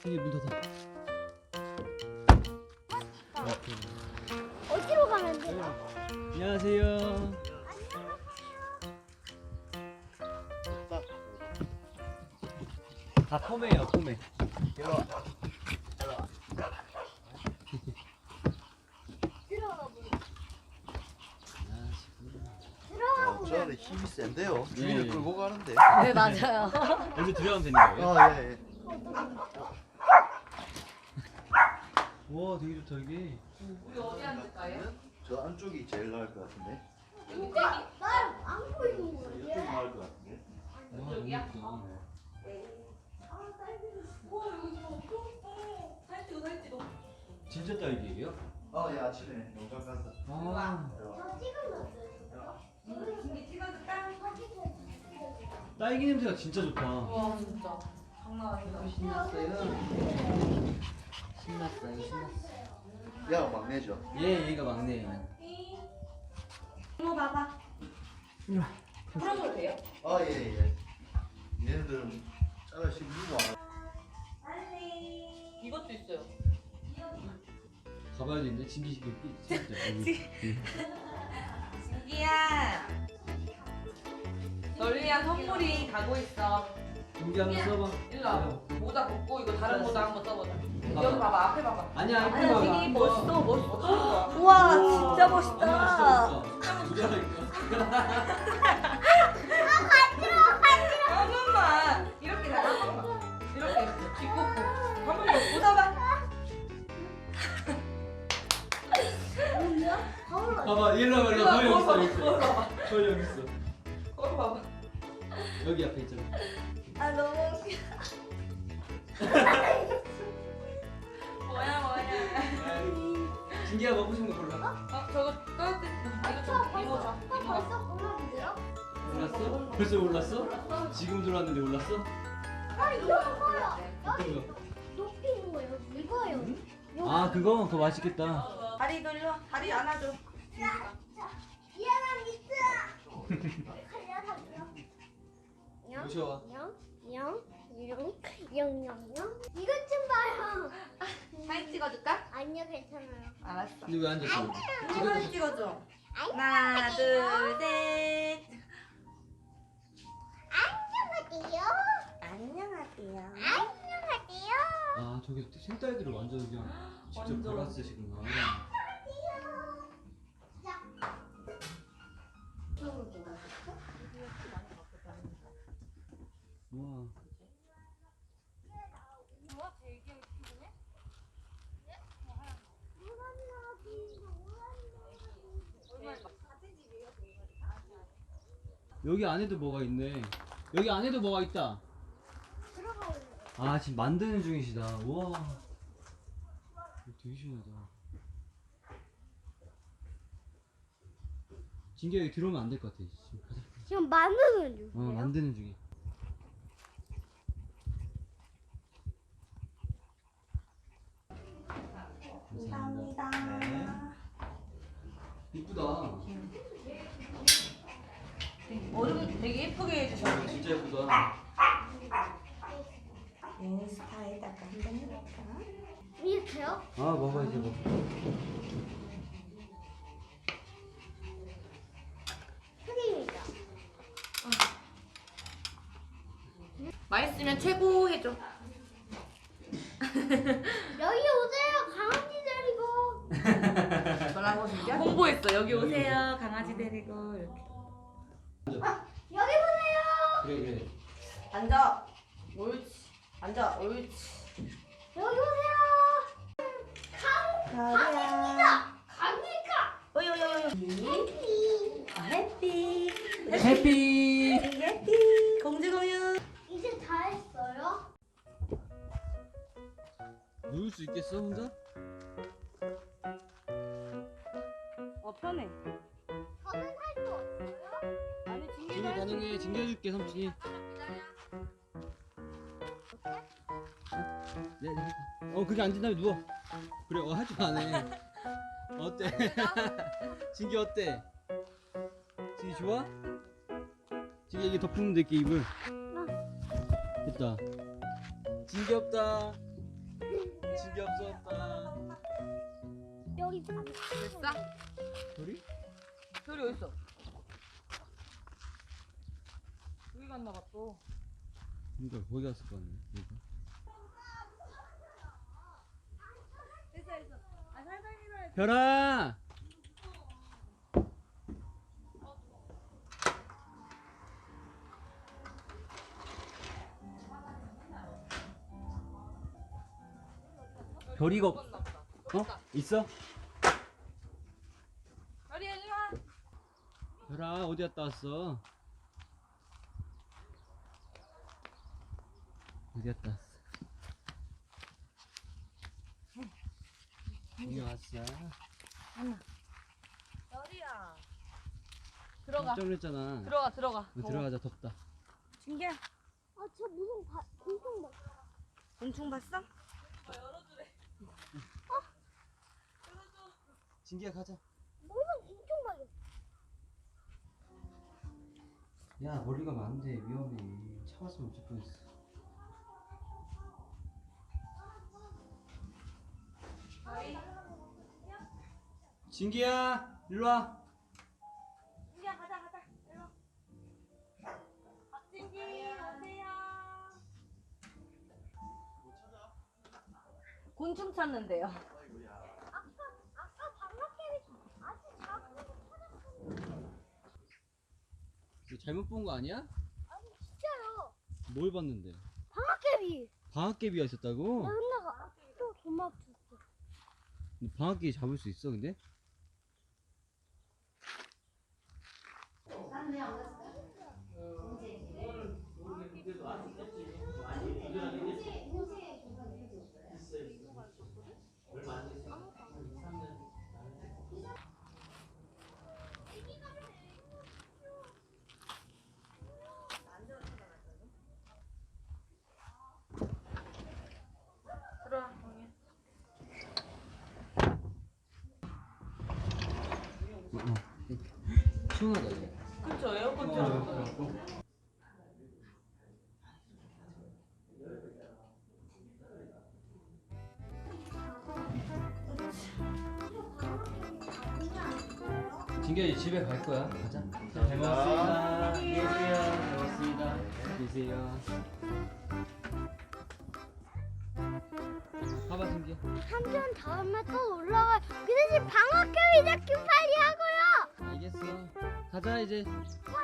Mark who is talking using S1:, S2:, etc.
S1: 진기 문 닫아.
S2: 어디로 가면 돼요?
S1: 안녕하세요. 다 포메예요, 포메.
S2: 들어가 보자. 들어가 보자.
S3: 저는 힘이 센데요. 주인을
S1: 예.
S3: 끌고 가는데.
S4: 네 맞아요.
S1: 여기서 들어가면 되는 거예요?
S3: 예, 예.
S1: 와, 되게 좋다 여기.
S4: 우리 어디 앉을까요?
S3: 저 안쪽이 제일 나을 것 같은데.
S4: 여기 떼기.
S2: 날안 보이는 거야.
S3: 이쪽이 나을 것 같은데.
S1: 와, 너무
S4: 여기야?
S1: 예쁘다.
S4: 우와 여기 좀 엄청 살찌고.
S1: 진짜 딸기예요?
S3: 예, 아침에 농장 가서.
S1: 아,
S2: 저 찍어놨어요.
S4: 진기 찍어줄까?
S1: 딸기 냄새가 진짜 좋다.
S4: 와 진짜 장난 아니다.
S1: 신났어요. 신났어요, 신났어.
S3: 야가 막내죠.
S1: 얘, 얘가 막내예요.
S4: 이모 봐봐.
S1: 이리 와.
S4: 풀어줘도 돼요?
S3: 예, 예. 얘네들은 짜라씩 누구
S4: 이것도 있어요.
S1: 가봐야 되는데 진기 씨 진짜.
S4: 진기야. 널 위한 선물이 가고 있어.
S1: 진기 한번 써봐.
S4: 일로 와봐. 모자 벗고 이거 다른 모자 한번 써보자. 여기 봐봐 앞에 봐봐.
S1: 아니야,
S4: 아니
S1: 이거
S4: 되게 멋있어 멋있어.
S2: 우와,
S4: 진짜 멋있다. 한 번만 이렇게 한 번만 이렇게 뒷꽂고 한 번만 웃어봐.
S2: 뭐야? 거울
S1: 봐봐, 일로 와봐, 일로 와봐. 거기 여기 있어, 여기 있어. 거기 여기 있어.
S4: 거기 봐봐.
S1: 여기 앞에 있잖아.
S2: 아 너무 웃겨.
S4: 뭐야.
S1: 진기가 먹고 싶은 거 골라.
S4: 저거 떠들 이거 좀 이모 줘. 이모가
S2: 벌써 골라주세요?
S1: 몰랐어? 벌써 몰랐어? 지금 들어왔는데 몰랐어?
S2: 아 이런 거요.
S1: 어떤 거?
S2: 높이는 거요. 이거요.
S1: 아, 그거? 그거 맛있겠다.
S4: 다리 돌려. 다리 안아줘.
S2: 미안한 미스. 갈려 달려.
S1: 무서워.
S2: 영. 이것 좀 봐요.
S4: 사진 찍어줄까?
S2: 아니요 괜찮아요.
S4: 알았어.
S1: 근데 왜 앉았어?
S4: 사진 찍어줘. 하나 둘 셋.
S2: 안녕하세요.
S4: 안녕하세요.
S2: 안녕하세요.
S1: 아, 저기 생딸기를 완전 그냥 직접
S4: 완전.
S1: 갈아 쓰시구나. 우와. 여기 안에도 뭐가 있네. 여기 안에도 뭐가 있다.
S2: 들어가요.
S1: 아, 지금 만드는 중이시다. 우와. 이거 되게 신기하다. 진기야, 여기 들어오면 안 될 것 같아. 지금 가자.
S2: 지금 만드는 중이에요?
S1: 만드는 중이야. 감사합니다.
S4: 감사합니다.
S1: 이쁘다.
S4: 얼음 되게 예쁘게 해주셨네.
S1: 진짜 예쁘다.
S4: 인스타에다가 한번 해볼까?
S2: 이렇게요?
S1: 아, 먹어 이제 먹어.
S2: 흑임이죠.
S4: 맛있으면 최고 해줘.
S2: 여기 오세요. 강아지 데리고.
S4: 뭐라고 진짜? 홍보했어. 여기 오세요. 강아지 데리고 이렇게.
S2: 여기 보세요.
S1: 그래 그래.
S4: 앉아. 옳지. 앉아. 옳지.
S2: 여기 오세요.
S4: 가자.
S2: 강이가.
S4: 오요요요. 해피.
S1: 해피.
S4: 해피. 공주공유.
S2: 이제 다 했어요?
S1: 누울 수 있겠어 혼자?
S4: 편해.
S2: 저는 할 수 없어요.
S4: 아니
S1: 진기 가능해. 진겨줄게 삼촌이. 네, 네. 그게 앉은 다음에 누워. 그래, 할 줄 아네. 어때? 진기 어때? 진기 좋아? 진기 이게 덮으면 될게 입을. 됐다. 진기 없다. 진기 없었다.
S2: 여기
S4: 됐어?
S1: 별이?
S4: 별이 어딨어? 여기 갔나 봐 또.
S1: 그러니까 거기 갔을 거 아니야. 그러니까.
S2: 됐어. 아 살살 밀어야 돼.
S1: 별아. 별이가 없... 어? 있어?
S4: 별이 일로 와.
S1: 별아 어디 갔다 왔어? 어디 갔다 왔어? 여기 왔어.
S4: 별이야. 들어가.
S1: 깜짝 놀랐잖아.
S4: 들어가.
S1: 들어가자. 덥다.
S4: 진기야.
S2: 아저 무슨 공룡 봐.
S4: 곤충 봤어?
S1: 진기야 가자.
S2: 무슨 공룡 봐.
S1: 야 머리가 많은데 위험해. 차 왔으면 어쩔 뻔했어. 진기야 일로 와.
S4: 진기야 가자. 일로. 박진기 오세요. 곤충 찾는데요.
S2: 아까 방학개비 아주 작은 거 찾았었는데.
S1: 너 잘못 본 거 아니야?
S2: 아니 진짜요.
S1: 뭘 봤는데?
S2: 방학개비.
S1: 방학개비가 있었다고?
S2: 나 혼나가 또 도망쳤어.
S1: 너 방학개비 잡을 수 있어 근데?
S4: 들어와.
S1: 시원하다 이거.
S4: 그쵸 에어컨 틀어줬어요.
S1: 진기야 이제 집에 갈 거야. 가자. 잘 먹었습니다. 계세요. 잘 먹었습니다. 계세요. 봐봐 진기야.
S2: 3년 다음에 또 올라가. 그 대신 방학개비 잡기 빨리 하고요.
S1: 알겠어. 가자 이제.
S2: 어,